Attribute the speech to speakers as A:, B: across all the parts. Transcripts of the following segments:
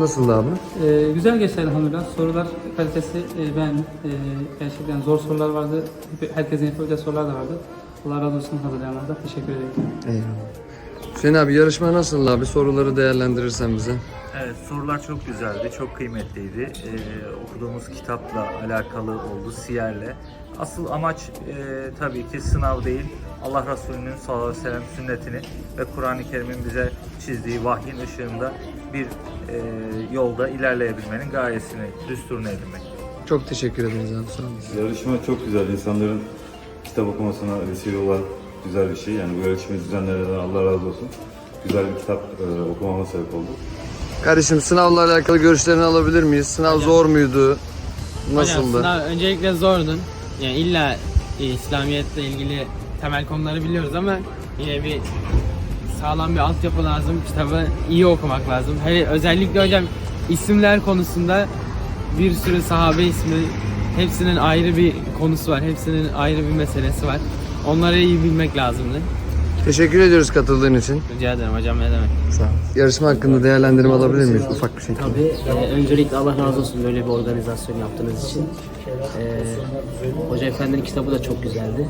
A: nasıldı abi?
B: Güzel geçti elhamdülillah. Sorular kalitesi beğendim. Gerçekten zor sorular vardı. Herkesin yapabileceği sorular da vardı. Allah razı olsun hazırlayanlardan. Teşekkür ederim.
A: Eyvallah. Hüseyin abi yarışma nasıldı abi? Soruları değerlendirirsen bize.
C: Evet, sorular çok güzeldi, çok kıymetliydi. Okuduğumuz kitapla alakalı oldu, Siyer'le. Asıl amaç tabii ki sınav değil, Allah Resulü'nün sallallahu aleyhi ve sellem sünnetini ve Kur'an-ı Kerim'in bize çizdiği vahyin ışığında bir yolda ilerleyebilmenin gayesini, düsturunu edinmek.
A: Çok teşekkür ederiz abi. Sağ olun.
D: Yarışma çok güzel. İnsanların kitap okumasına vesile olan güzel bir şey. Yani bu yarışmayı düzenleyenlerden Allah razı olsun. Güzel bir kitap okumama sebep oldu.
A: Kardeşim sınavla alakalı görüşlerini alabilir miyiz? Sınav zor muydu? Nasıldı?
E: Hocam sınav öncelikle zordu. Yani illa İslamiyetle ilgili temel konuları biliyoruz ama yine bir sağlam bir altyapı lazım. Kitabı iyi okumak lazım. Hele özellikle hocam isimler konusunda bir sürü sahabe ismi, hepsinin ayrı bir konusu var. Hepsinin ayrı bir meselesi var. Onları iyi bilmek lazımdı.
A: Teşekkür ediyoruz katıldığın için.
E: Rica ederim hocam, ne demek.
A: Sağ ol. Yarışma hakkında değerlendirme alabilir miyiz? Ufak bir şey.
F: Tabii. Öncelikle Allah razı olsun böyle bir organizasyon yaptığınız için. Hoca Efendi'nin kitabı da çok güzeldi.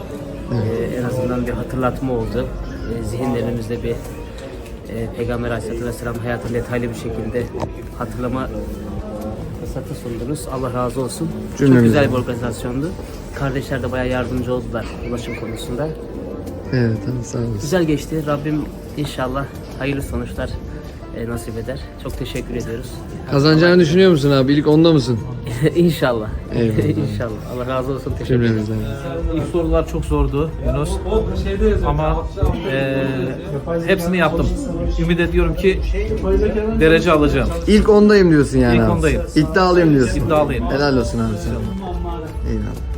F: En azından bir hatırlatma oldu. Zihinlerimizde bir Peygamber Aleyhisselatü Vesselam hayatını detaylı bir şekilde hatırlama fırsatı sundunuz. Allah razı olsun.
A: Cümlemize.
F: Çok güzel bir organizasyondu. Kardeşler de bayağı yardımcı oldular ulaşım konusunda.
A: Evet abi sağ olasın.
F: Güzel geçti. Rabbim inşallah hayırlı sonuçlar nasip eder. Çok teşekkür ediyoruz.
A: Kazanacağını düşünüyor musun abi? İlk onda mısın?
F: İnşallah.
A: Eyvallah.
F: İnşallah. Allah razı olsun. Teşekkür ederim.
A: Cümlemizden.
G: İlk sorular çok zordu Yunus ama hepsini yaptım. Ümit ediyorum ki derece alacağım.
A: İlk ondayım diyorsun yani
G: İlk
A: abi.
G: ondayım.
A: İddialıyım diyorsun.
G: İddialıyım.
A: Helal olsun abi sana. Eyvallah.